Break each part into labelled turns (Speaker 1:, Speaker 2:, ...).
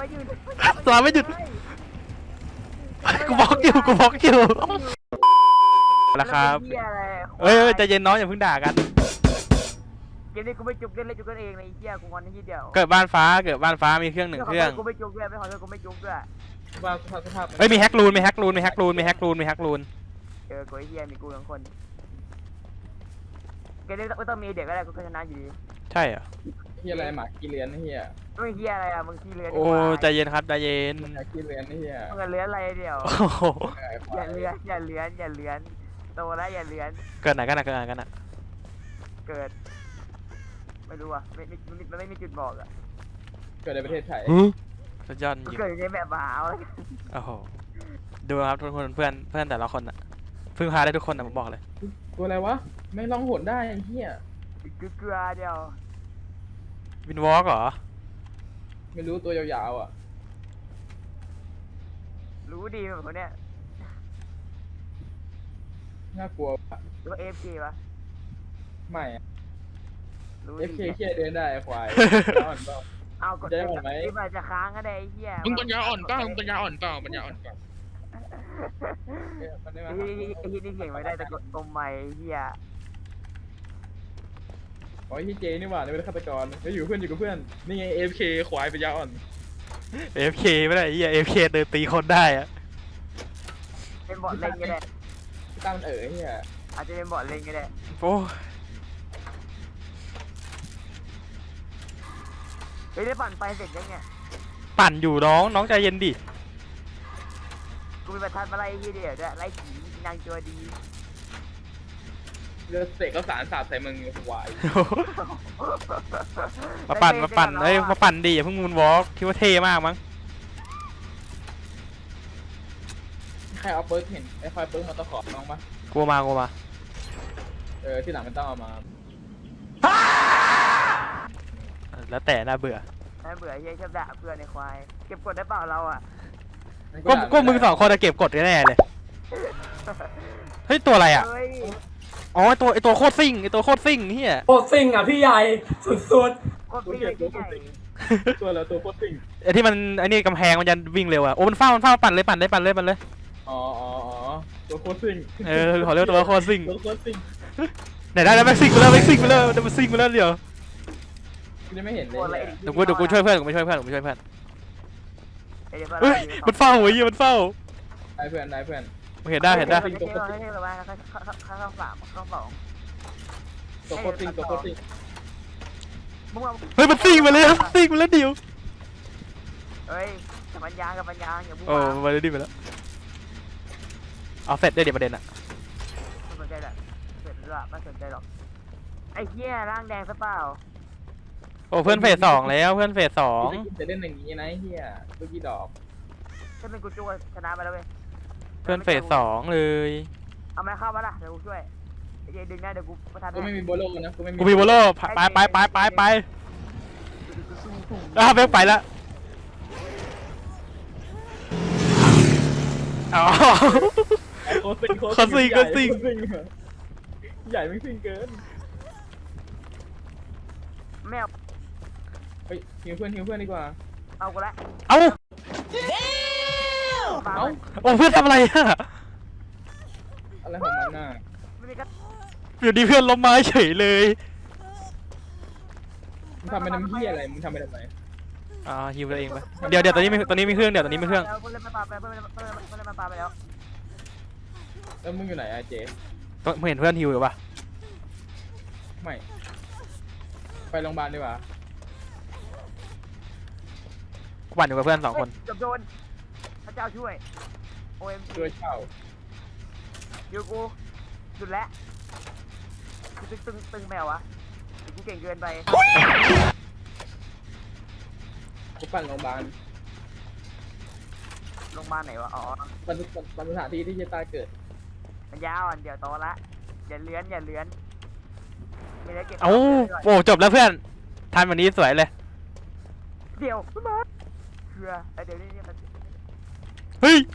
Speaker 1: ไม่หยุด
Speaker 2: สอนไม่หยุดกูบล็อกอยู่แล้วครับเอ้ยใจเย็นน้องอย่าเพิ่งด่ากัน
Speaker 1: เกมนี้กูไม่จุกเล่นจุกกันเองในไอ้เหี้ยกูงอนนิดเดียว
Speaker 2: เกิดบ้านฟ้ามีเครื่องหนึ่งเครื่อง
Speaker 1: กูไม่จุกด้วยไม่ขอโทษกูไม่จุกด้วย
Speaker 3: ว่าสภาพ
Speaker 2: เอ้ยมีแฮกรูนมีแฮกรูน
Speaker 1: กูไอ้เหี้ยมีกูทั้งคนเกมนี้ไม่ต้องมีเด็กก็ได้กูชนะอยู่ดี
Speaker 2: ใช่เหรอ
Speaker 3: เฮียอะไรหมาขี้เลี้ยนเฮีย
Speaker 1: ไม่เหี้ยอะไรอ่ะมึงขี้เลื้อน
Speaker 2: โอ้ใจเย็นครับใจเย็น
Speaker 3: หมาขี้เลี้ยนเฮีย
Speaker 1: มึงเลื้อนอะไรเดียว
Speaker 2: โอ้โห
Speaker 1: อย่าเลื้อนโตแล้วอย่าเลื้อน
Speaker 2: เกิดไหนกันนะ
Speaker 1: เกิดไม่รู้อ่ะไม่มีจุดบอกอ่ะ
Speaker 3: เกิดในประเทศไทย
Speaker 2: สุดยอดจ
Speaker 1: กู
Speaker 2: ริง
Speaker 1: เกิดในแบบหาวแล้ว
Speaker 2: โอ้โหดูครับทุกคนเพื่อนแต่ละคนอะพึ่งพาได้ทุกคนนะผมบอกเลย
Speaker 3: ตัวอะไรวะไม่ลองหนได้เฮีย
Speaker 1: กูเกลือเดียว
Speaker 2: วินวอล์กเหรอ
Speaker 3: ไม่รู้ตัวยาวๆอ่ะ
Speaker 1: รู้ดีแบบคนเนี้ย
Speaker 3: น่ากลัว
Speaker 1: หรือว่า AFK ปะ
Speaker 3: ไม่
Speaker 1: รู้
Speaker 3: เอฟเค
Speaker 1: ดี
Speaker 3: เฮียเดินได้ควายอ่อนเปล่า
Speaker 1: เอากด
Speaker 3: จะได้อ่อนไหม
Speaker 1: ที่มันจะค้างก็ได้ไอ้เหี้ย
Speaker 4: มึงปัญญาอ่อนเปล่าปัญญาอ่อนเปล่า
Speaker 3: มันได้มา
Speaker 1: ไอ้ที่นี่เก่งไม่ได้แต่กดตมใหม่ไอ้เหี้ย
Speaker 3: อ๋อที่เจนี่หว่านี่เป็นฆาตกรแล้วอยู่กับเพื่อนนี่ไงเอฟเคควายปัญญาอ่อน
Speaker 2: AFK ไม่ได้ไอ้เหี้ย AFK เดินตีคนได้อะ
Speaker 1: เป็นบอทเล่นก็ได้
Speaker 3: ตั้งมันเฮีย
Speaker 1: อาจจะเป็นบอทเล่นก็ได้
Speaker 2: โอ้
Speaker 1: เฮ้ยได้ปั่นไฟเสร็จยังไง
Speaker 2: ปั่นอยู่น้องใจเย็นดิ
Speaker 1: กูมีประทัดมาไล่ที่เดียวด้วยไล่ผีนางตัวดี
Speaker 3: เลือดเสกก็สารสาดใส่มึงควาย
Speaker 2: มาปั่นเฮ้ยมาปั่นดิอย่าเพิ่งมูนวอล์กคิดว่าเท่มากมั้ง
Speaker 3: ใครเอาเปิร์กเห็นไอ้คอยเปิร์กมาตะขอน้องปะ
Speaker 2: กลัวมา
Speaker 3: ที่หลังมันต้องเอามา
Speaker 2: แล้วแต่น่าเบื่อ
Speaker 1: น่าเบื่อเฮียชอบด่าเพื่อนในควายเก็บกดได้เปล่าเราอ่ะ
Speaker 2: ก็มึงสองคนจะเก็บกดแน่เลยเฮ้ยตัวอะไรอ่ะ
Speaker 1: เฮ้ย
Speaker 2: อ๋อไอตัวโคตรซิ่งเฮีย
Speaker 5: โคตรซิ่งอ่ะพี่ใหญ่สุด
Speaker 1: โคตรพี่เลยที่ใหญ่
Speaker 3: ตัวแล้วตัวโคตรซิ่ง
Speaker 2: ไอที่มันไอนี่กำแพงมันจะวิ่งเร็วอ่ะโอ้มันเฝ้าปั่นเลย
Speaker 3: อ๋อตัวโคตรซิ่ง
Speaker 2: ขอเรียกตัวโคตรซิ่ง
Speaker 3: ตัวโคตรซิ่ง
Speaker 2: ไหนได้แล้วแม็กซิ่งไปแล้วเดี๋ยว
Speaker 3: กูยังไม่เห็นเลย
Speaker 2: เดี๋ยวกูช่วยเพื่อนกูไปช่วยเพื่อน
Speaker 1: เดี๋ยว
Speaker 2: เฮ้ยมันเฝ้าหัวยี่มันเฝ้า
Speaker 3: ได้เพื่อน
Speaker 2: มึงเห็นได้
Speaker 1: ให้เราให้เราเข้าสามเข้าสอง
Speaker 3: ตัวโคตรซิ่ง
Speaker 1: มึงว่า
Speaker 2: เฮ้ยมันซิ่งมาแล้วเดี๋ยว
Speaker 1: เฮ้ยกับปัญญาอย่าพูด
Speaker 2: โอ้มาเลยดิไปแล้วเอาเสร็จได้เดี๋ยวประเด็นอ่ะ
Speaker 1: ไม่สนใจหรอกเสร็จแล้วไม่สนใจหรอกไอ้เหี้ยร่างแดงซะเปล่า
Speaker 2: โอ้เพื่อนเฟส 2แล้วเพื่อนเฟส
Speaker 3: จะเล่นอย่างนี้นะเฮียลูกกี่ดอก
Speaker 1: ถ้าเป็นกูจูชนะไปแล้วเว้ย
Speaker 2: 2เพื่อนเฟส 2เลย
Speaker 1: เอาไม้เข้ามาล่ะเดี๋ยวกูช่วยไอ้เจดึงได้เดี๋ยวกูประทาน
Speaker 3: กูไม่มีโบโลนะ
Speaker 2: กูมีโบโลไปแบงไปแล้วอ๋อ
Speaker 3: โคตรซิ่งใหญ่ไม่ซิ่งเกิน
Speaker 1: แมว
Speaker 3: เฮ้ยหิวเพื่อนดีกว่า
Speaker 1: เอากูละ
Speaker 2: เอ้า
Speaker 1: ปา
Speaker 2: โอ้เพื่อนทำอะไรอ่ะ
Speaker 3: อะไรของมันน่ะ
Speaker 1: ไม่มีกระ
Speaker 2: อยู่ดีเพื่อนล้มไม้เฉยเลย
Speaker 3: มึงทำไปทำเฮียอะไรมึงทำไปทำไม
Speaker 2: ฮิวตัวเองไปเดี๋ยวตอนนี้มีเครื่องเดี๋ยวตอนนี้มีเครื่อง
Speaker 1: เพื่อนเล่นมาปาไปเพื่อนเล่นมาปาไปแล้ว
Speaker 3: แล้วมึงอยู่ไหนอะเจ
Speaker 2: มึงเห็นเพื่อนฮิวหรือเปล่า
Speaker 3: ไม่ไปโรงพยาบาลดีกว่า
Speaker 2: กูปั่นอยู่กับเพื่อน2 คน
Speaker 1: จบโดนพระเจ้าช่วย OM
Speaker 3: ด้วยเช่า
Speaker 1: อยู่กูสุดแล้วคือตึงแมววะกูเก่งเกินไป
Speaker 3: กูปั่นโรงพยาบาล
Speaker 1: โรงพยาบาลไหนวะอ๋อ
Speaker 3: ปั่นสถานที่ที่เจตาเกิด
Speaker 1: มันยาวอ่ะเดี๋ยวโตละอย่าเลื้อนไม่ได้เก็บ
Speaker 2: เอ้าโอ้จบแล้วเพื่อนทันวันนี้สวยเลย
Speaker 1: เดี๋ยวมาเชื่อเดี๋ยวนี่มัน
Speaker 2: เฮ้ย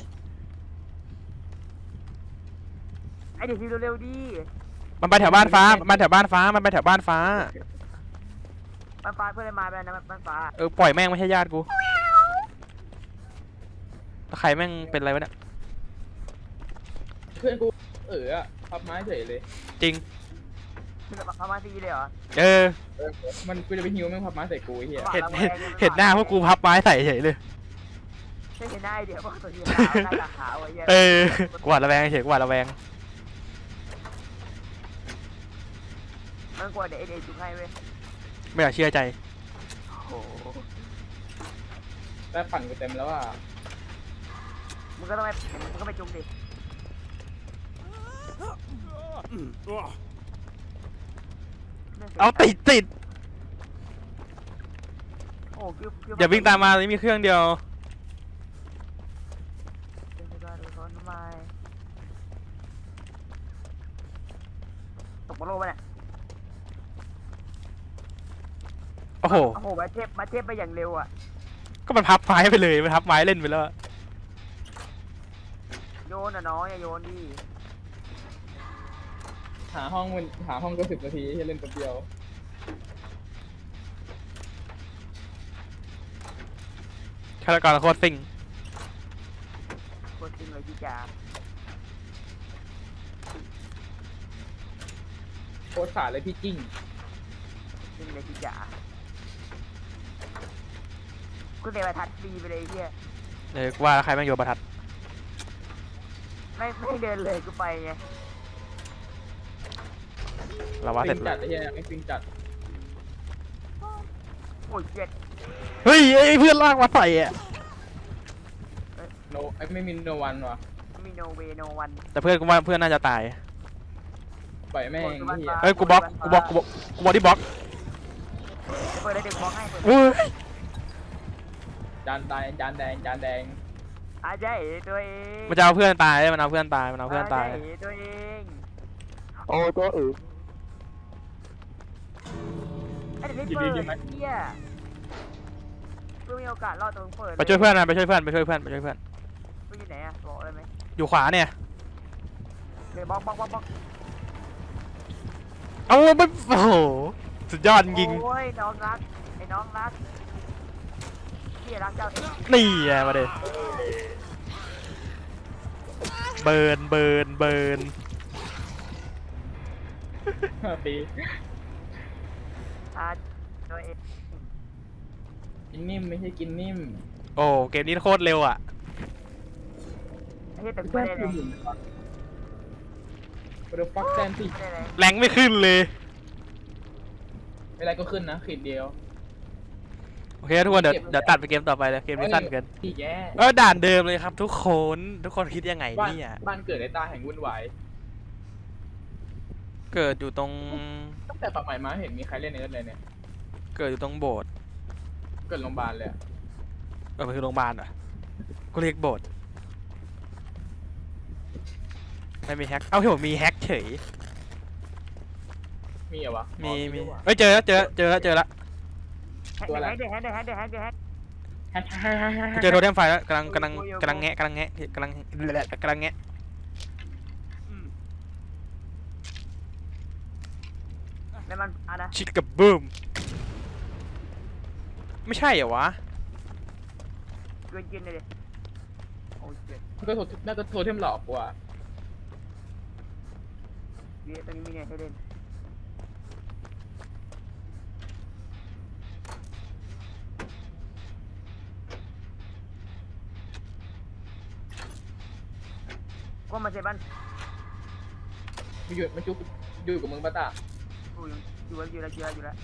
Speaker 1: ไอเด็กทีเร็วๆดิ
Speaker 2: มันไปแถวบ้านฟ้ามันไปแถวบ้านฟ้า
Speaker 1: มันฟ้าเพื่อนเลยมาไปนะมันฟ้า
Speaker 2: ปล่อยแม่งไม่ใช่ญาติกูใครแม่งเป็นอะไรวะเนี่ย
Speaker 3: เพื่อนกูอะพับไม้เฉยเลย
Speaker 2: จริง
Speaker 1: คือแบบประมาณซีเลยเหรอ
Speaker 2: เออ
Speaker 3: มันกูจะไปฮิวแม่งพับไม้ใส่กูไอ้เหี้ย
Speaker 2: เห็นหน้าพวกกูพับไม้ใส่เฉยเลย
Speaker 1: ไม่เห็นหน้าไอเดียว่าตัวสีขาวหน้าตาขาวไอ้เหี้ย
Speaker 2: เออกวาดระแวงเฉยกวาดระแวง
Speaker 1: มันกลัวเดี๋ยวเอจุกให้เว้ย
Speaker 2: ไม่อยากเชื่อใจ
Speaker 1: โอ้โห
Speaker 3: แต่ปั่นกูเต็มแล้วอ่ะ
Speaker 1: มึงก็ต้องไปมึงก็ไปจุกดิ
Speaker 2: เอาติด
Speaker 1: โอ้คิว
Speaker 2: อย่าวิ่งตามมาเลยมีเครื่องเดียว
Speaker 1: ตกบอลโลกไปเนี่ย
Speaker 2: โอ้โห
Speaker 1: โอ้โหมาเทพไปอย่างเร็วอ่ะ
Speaker 2: ก็มันพับไม้ไปเลยมันพับไม้เล่นไปแล้ว
Speaker 1: โยนอ่ะน้องอย่าโยนดิ
Speaker 3: หาห้องก็10 นาทีให้เล่นแป๊บเดียว
Speaker 2: ฆาตกรโคตรซิ่ง
Speaker 1: โคตรจริงเลยพี่จ๋า
Speaker 3: โคตรขาดเลยพี่จิ้ง
Speaker 1: จริงเลยพี่จ๋ากูเตะประทัดฟรีไปเลยเฮีย
Speaker 2: กูว่าแล้วใครแม่งโยนประทัด
Speaker 1: ไม่เดินเลยกูไปไง
Speaker 2: เราว่าเสร็จ
Speaker 3: จัดไอ้เหี้ยไม่ฟิงจัด
Speaker 1: โอ้ยเจ็ด
Speaker 2: เฮ้ยไอ้เพื่อนลากมาใส่อะ
Speaker 3: โนไม่มีโนวันว่ะ
Speaker 1: มีโนเวโนวัน
Speaker 2: แต่เพื่อนกูว่าเพื่อนน่าจะตาย
Speaker 3: ปล่อยแม่งไอ้เหี้ย
Speaker 2: เฮ้ยกูบล็อกที่บล็อก
Speaker 1: เปิดเลยเด็กบล็อกให้เปิด
Speaker 2: อุ้ย
Speaker 3: จานแดงจานแดง
Speaker 1: อาใจตัวเอง
Speaker 2: มันจะเอาเพื่อนตายมันเอาเพื่อนตายมันเอาเพื่อนตาย
Speaker 1: อาใจตัวเอง
Speaker 2: โอ้ตัวอื่น
Speaker 1: ไอ้เด็กไม่เปิดเฮียเพื่อมีโอกาสรอดตรงเปิด
Speaker 2: ไปช่วยเพื่อนนะไปช่วยเพื่อน
Speaker 1: ไปอยู่ไหนอะบอกเลยไหม
Speaker 2: อยู่ขวาเนี่ย
Speaker 1: เดี๋ยวบล็อก
Speaker 2: เอาไม่โอ้โหสุดยอดจริง
Speaker 1: โอ้ยน้องรักไอ้น้องรักพี่รักเจ้าเอง
Speaker 2: นี่ไงมาเด็เบิร์น
Speaker 3: ตี
Speaker 1: อาตัวเอง
Speaker 3: กินนิ่มไม่ใช่กินนิ่ม
Speaker 2: โอ้เกมนี้โคตรเร็วอ่ะ
Speaker 1: ไอ้เหี้ยแต่กูไม่ได้เลย
Speaker 3: เดี๋ยวฟักแซนสิ
Speaker 1: ไม่ได้เลย
Speaker 2: แรงไม่ขึ้นเลย
Speaker 3: ไม่ไรก็ขึ้นนะขีดเดียว
Speaker 2: โอเคทุกคนเดี๋ยวตัดไปเกมต่อไปเลยเกมนี้สั้นเกิน
Speaker 3: พี่แย่
Speaker 2: ด่านเดิมเลยครับทุกคนคิดยังไงเนี่ย
Speaker 3: บ้านเกิดในตาแห่งวุ่นวาย
Speaker 2: เกิดอยู่ตรง
Speaker 3: ตั้งแต่ปรับใหม่มาเห็นมีใครเล่นเนิร์ดเลยเนี่ย
Speaker 2: เกิดอยู่ตรงโบสถ์
Speaker 3: เกิดโรงพยาบาลเลยอะ
Speaker 2: มันคือโรงพยาบาลเหรอกูเรียกโบสถ์ไม่มีแฮกเอ้าเห็นมีแฮกเฉย
Speaker 3: มีเหรอวะ
Speaker 2: มี
Speaker 3: อ๋อ
Speaker 2: เฮ้ยเจอแล้ว
Speaker 3: ตัวอะไร
Speaker 1: เดี๋ยวแฮก
Speaker 2: กูเจอโทเทมไฟแล้วกำลังแงะ
Speaker 1: แล้วมันอะนะ
Speaker 2: ชิดกับบูมไม่ใช่เหรอวะ
Speaker 1: เกินกินเลยดิโอ้ยเจ็ด
Speaker 3: น่าจะโทรเทมหลอกกว่า
Speaker 1: เดี๋ยวตอนนี้มีเนี่ยให้เล่นก็มาเซบัน
Speaker 3: มันจุกอยู่กับมึงปะตา
Speaker 1: อยู่แล้ว
Speaker 3: หลุดยัง
Speaker 1: ยัง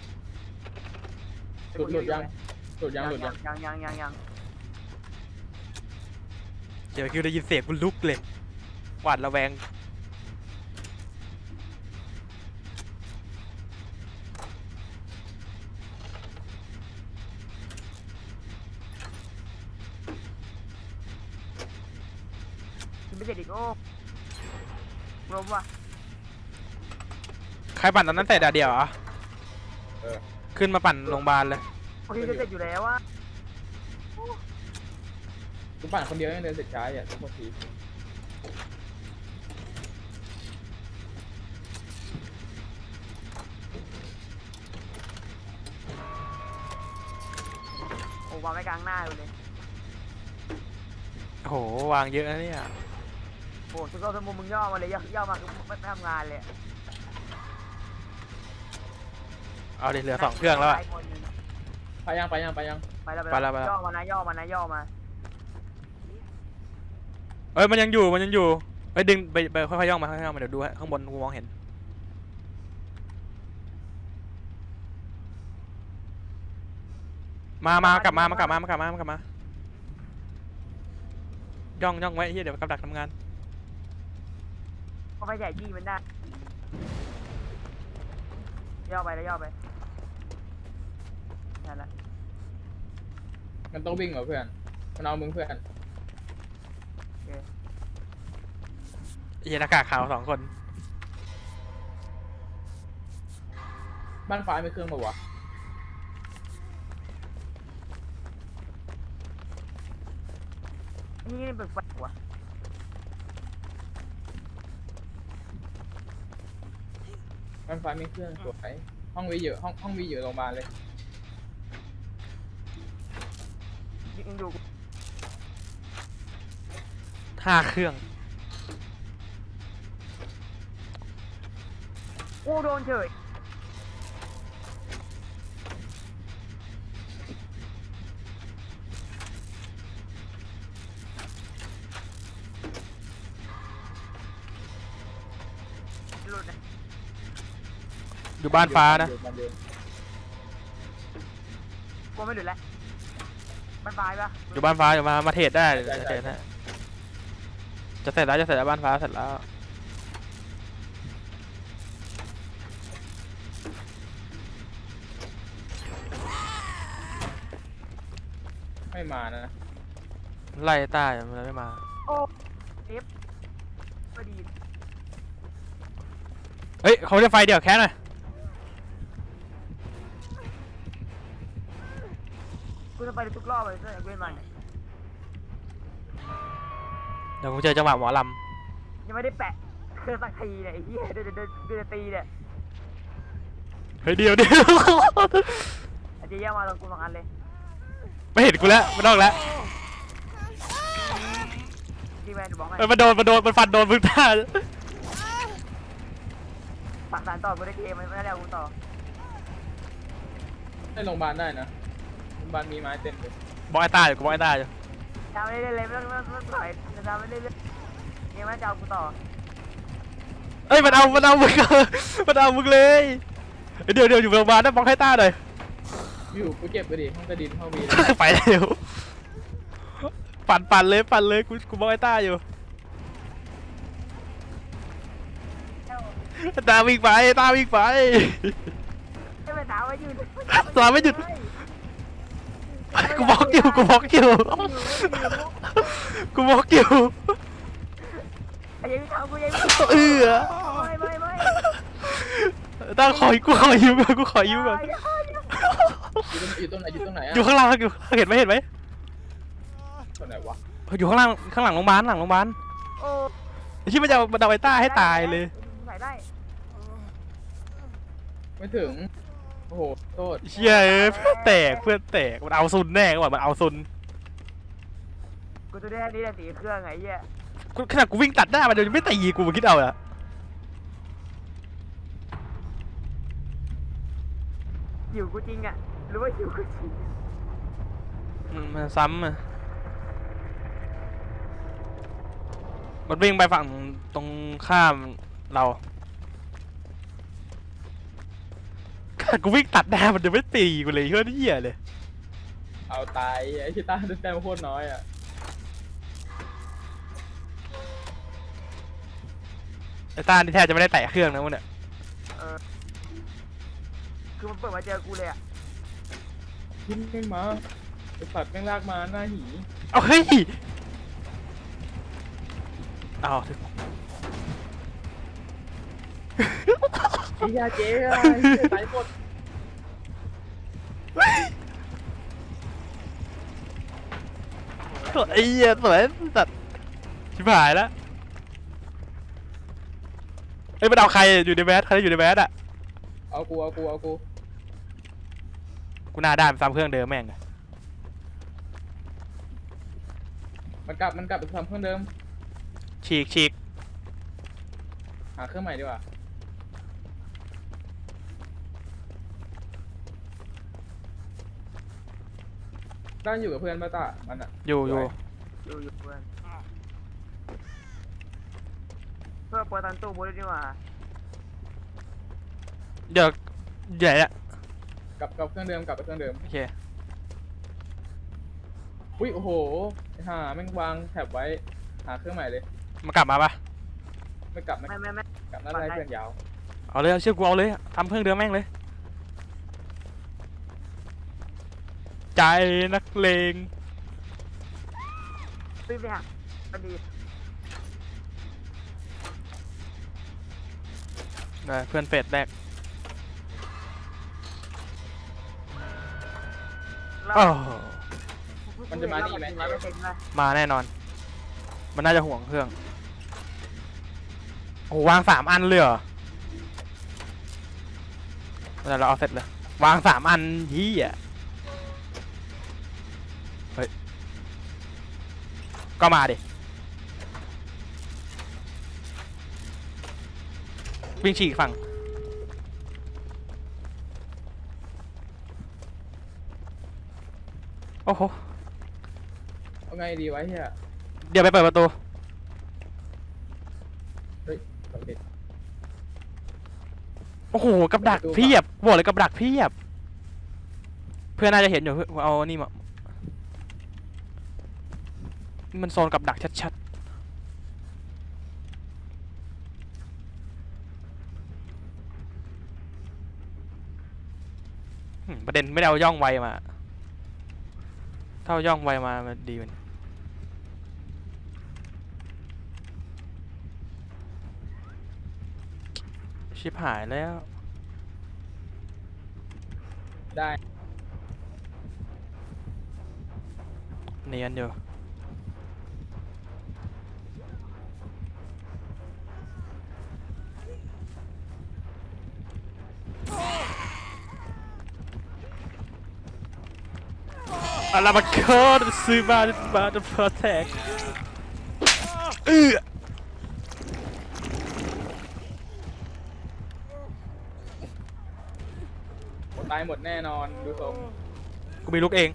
Speaker 2: เดี๋ยวคิวได้ยินเสียงกูลุกเลยหวาดระแวง
Speaker 1: ไม่เสร็จอีกโอ้รวมว่ะ
Speaker 2: ใครปั่นตอนนั้นเสร็จเดียวเหรอ
Speaker 3: เออ
Speaker 2: ขึ้นมาปั่นโรงพยาบาลเลย
Speaker 1: โอเคจะเสร็จอยู่แล้วว่ะ
Speaker 3: กูปั่นคนเดียวยังเดินเสร็จช้าอ่ะทุกที
Speaker 1: โอ้วางไว้กลางหน้าเลย
Speaker 2: โหวางเยอะนะเนี่ย
Speaker 1: โอ้สุดยอดสมุนมึงย่อมาเลยย่อมาคือไม่ทำงานเลย
Speaker 2: เอาดิเหลือ2เครื่องแล้วอะ
Speaker 3: ไปยัง
Speaker 1: ไปแล้วย่อมานะย่อมา
Speaker 2: เอ้ยมันยังอยู่เอ้ยดึงไปค่อยๆย่องมาเดี๋ยวดูให้ข้างบนกูมองเห็นกลับมาย่องไว้เฮียเดี๋ยวกับดักทำงาน
Speaker 1: ก็ไม่ใหญ่ยี่มันได้ย่อไปนั่นแหละ
Speaker 3: มันต้องวิ่งเหรอเพื่อนมันเอามึงเพื่อน
Speaker 2: เฮียหน้ากากขาว2 คน
Speaker 3: บ้านฟ้าไม่เครื่องปะวะ
Speaker 1: นี่เป็นไฟหัว
Speaker 3: บ้านฟ้าไม่เครื่องสวยห้องวีอยู่ห้องวีอยู่โรงพยาบาลเลย
Speaker 1: ยิงอยู่
Speaker 2: 5 เครื่อง
Speaker 1: โอ้โดนเฉยหลุดนะ
Speaker 2: อยู่บ้านฟ้านะ
Speaker 3: อยู่บ้านเดิม
Speaker 1: กูไม่หลุดแล้วมันไฟปะ
Speaker 2: อยู่บ้านฟ้าอยู่มาเทรดได้จะเทรดได้จะเสร็จแล้วบ้านฟ้าเสร็จแล้ว
Speaker 3: ไม่มานะ
Speaker 2: ไล่ใต้มันไม่มา
Speaker 1: โอ้เอฟพอดี
Speaker 2: เฮ้ยเขาจะไฟเดี่ยวแค่หน่อย
Speaker 1: กูจะไปทุกรอบเลยเพื่อนเว้นมัน
Speaker 2: เดี๋ยวกูเจอจังหวะหมอล
Speaker 1: ยังไม่ได้แปะเครื่องสักทีเนี่ยไอ้เหี้ยเดินตีเนี่ย
Speaker 2: ำเฮ้ยเดี๋ยว
Speaker 1: ไอ้เจ๊ย่ามาตรงกู2 อันเลย
Speaker 2: ไม่เห็นกูแล้วมันนอกแล้ว
Speaker 1: ที่แมนบอกให้
Speaker 2: มันมันฟันโดนมึงท่า
Speaker 1: ปักสารต่อกูได้เกมไม่ได้แล้วกูต่อ
Speaker 3: ได้โรงพยาบาลได้นะโรงพยาบาลมีไม้เต็มเลย
Speaker 2: บอกไอ้ตาอยู่กูบอกไอ้ตาอยู่
Speaker 1: ทำไม่ได้เลยไม่ต้องถอยจะทำไม่ได้เลยเกมมันจะเอากูต่อ
Speaker 2: เอ้ยมันเอามึงมันเอามึงเลยเดี๋ยวอยู่โรงพยาบาลนะบอกให้ตาหน่อย
Speaker 3: อยู่กูเก็บไปดิห้องกระดินห้องวี
Speaker 2: ไปเร็วปั่นเลยกูบอกไอ้ตาอยู่ตาวิ่งไป
Speaker 1: ให้ไปถามว่าอยู่
Speaker 2: ตาไม่หยุดกูบล็อกอยู่
Speaker 1: ไอ้ยังไม่ทำกูยังไม่ ไม่
Speaker 2: ตาขอยิ้มก่อน
Speaker 3: อยู่ตรงไหนอะ
Speaker 2: อยู่ข้างล่างเห็นไหม
Speaker 3: ตรงไหนวะ
Speaker 2: อยู่ข้างหลังโรงพยาบาล
Speaker 1: โอ้
Speaker 2: ที่มันจะเอาไอ้ต้าให้ตายเลย
Speaker 1: ใส่ได้
Speaker 3: ไม่ถึงโอ้โหโทษ
Speaker 2: เชี่ยเพื่อนแตกมันเอาซุนแน่กว่ามันเอาซุน
Speaker 1: กูจะได้นี่แหละตีเครื่องไงเหี้ย
Speaker 2: ขนาดกูวิ่งตัดหน้ามันยังไม่ตีกูคิดเอาอะ
Speaker 1: หิวกูจริงอ่ะหรือว่าหิวกูจริง
Speaker 2: มันซ้ำอะมันวิ่งไปฝั่งตรงข้ามเราขนาดกูวิ่งตัดหน้ามันยังไม่ตีกูเลยเฮ้ยเหี้ยเลย
Speaker 3: เอาตายไอ้ชิต้าแต้มโคตรน้อยอ่ะ
Speaker 2: ไอ้ต้านี่แทบจะไม่ได้แตะเครื่องนะมึงเนี่ย
Speaker 1: คือมันเปิดมาเจอกูเลยอ่ะ
Speaker 3: ทิ้งไม่มาไอ้สัตว์แม่งลากมาหน้าหี
Speaker 2: เอาเฮ้ยเอา
Speaker 3: ไอ้ยาเจ๊อะตายหมด
Speaker 2: ไอ้เหี้ยสวยสัตว์ชิบหายแล้วเอ้ยมันเอาใครอยู่ในแมสอะ
Speaker 3: เอากู
Speaker 2: กูหน้าด้านซ้ำเครื่องเดิมแม่ง
Speaker 3: มันกลับไปทำเครื่องเดิม
Speaker 2: ฉีก
Speaker 3: หาเครื่องใหม่ดีกว่าต้าอยู่กับเพื่อนป่ะต้ามันอะ
Speaker 2: อยู่
Speaker 1: อยู่เพื่อนเพื่อเปิดตันตู้บูธดีกว่า
Speaker 2: เดี๋ยวใหญ่ละ
Speaker 3: กลับเครื่องเดิมกลับไปเครื่องเดิม
Speaker 2: โอเค
Speaker 3: อุ้ยโอ้โหหาแม่งวางแถบไว้หาเครื่องใหม่เลย
Speaker 2: มากลับมาปะ
Speaker 3: ไม่กลับ
Speaker 1: ไม่
Speaker 3: กลับน่าจะให้เพื่อนยาว
Speaker 2: เอาเลยเอาเชือกกูเอาเลยทำเครื่องเดิมแม่งเลย ใจนักเลง
Speaker 1: ซื้อไปหักพอดี
Speaker 2: เพื่อนเฟสแรก
Speaker 1: เรา
Speaker 2: อ้าว
Speaker 3: มันจะมานี่ไหม
Speaker 1: 100%นะ
Speaker 2: มาแน่นอน มันน่าจะห่วงเครื่อง โอ้วาง3 อันเลยเหรอเดี๋ยวเราเอาเสร็จเลย วาง3 อันยี่อ่ะเฮ้ย ก็มาดิ วิ่งฉีกฝั่ง โอ้โห
Speaker 3: เอาไงดีวะเฮีย
Speaker 2: เดี๋ยวไปเปิดประตู
Speaker 3: เฮ้ยสำเร็จ
Speaker 2: โอ้โห กับดักเพียบบอกเลยกับดักเพียบ เพื่อนน่าจะเห็นอยู่เพื่อนเอานี่มานี่มันโซนกับดักชัดๆประเด็นไม่ได้เอาย่องไวมา ถ้าเอาย่องไวมามันดีมันชิบหายแล้ว
Speaker 3: ได้
Speaker 2: เนียนอยู่อะไรมาโคตรซื้อมาจะเพอร์แทก
Speaker 3: ตายหมดแน่นอนดูทรง
Speaker 2: กูมีลูกเอง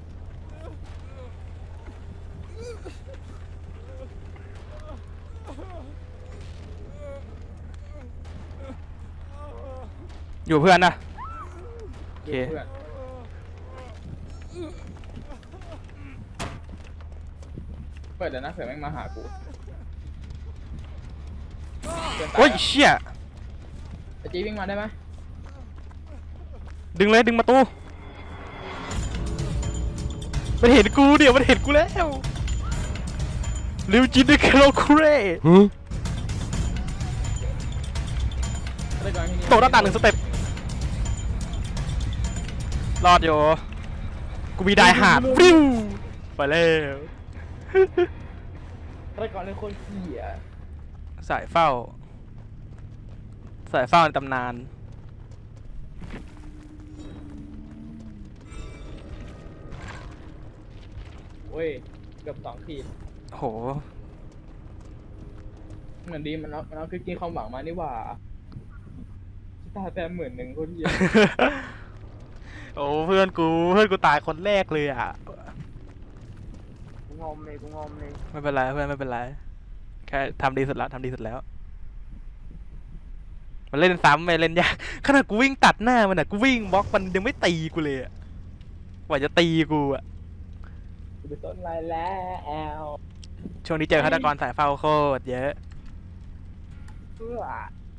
Speaker 2: อยู่เพื่อนนะ โอเค
Speaker 3: เพื่อนเปิดเดี๋ยวนะเผื่อแม่งมาหากูเพื่อนตา
Speaker 2: โอ้ย
Speaker 3: อะ
Speaker 2: เชี่ย
Speaker 3: ไอจีวิ่งมาได้ไหม
Speaker 2: ดึงเลยดึงประตูมันเห็นกูเดี๋ยวมันเห็นกูแล้วริวจินด้วยคาโลคูเร่
Speaker 3: ได้ก่อนที่นี่
Speaker 2: โตหน้าต่าง1 สเต็ปรอดอยู่กูมีไดหาดฟิวไปแล้ว
Speaker 3: ได้ก่อนเลยคนเหี้ย
Speaker 2: สายเฝ้าในตำนาน
Speaker 3: เว้ยเกือบ2 ขีด
Speaker 2: โห
Speaker 3: เหมือนดีมันเอาคือกินความหวังมานี่หว่าตาแต้ม10,000คนเหี้ย
Speaker 2: โอ้เพื่อนกูตายคนแรกเลยอ่ะ
Speaker 1: กูงอมเลย
Speaker 2: ไม่เป็นไรเพื่อนไม่เป็นไรแค่ทำดีสุดแล้วมันเล่นซ้ำไม่เล่นยากขนาดกูวิ่งตัดหน้ามันอ่ะกูวิ่งบล็อกมันยังไม่ตีกูเลยอ่ะกว่าจะตีกูอ่ะ
Speaker 3: กูไปต้นไรแล้ว
Speaker 2: ช่วงนี้เจอฆาตกรสายเฝ้าโคตรเยอะ
Speaker 1: เพื่อ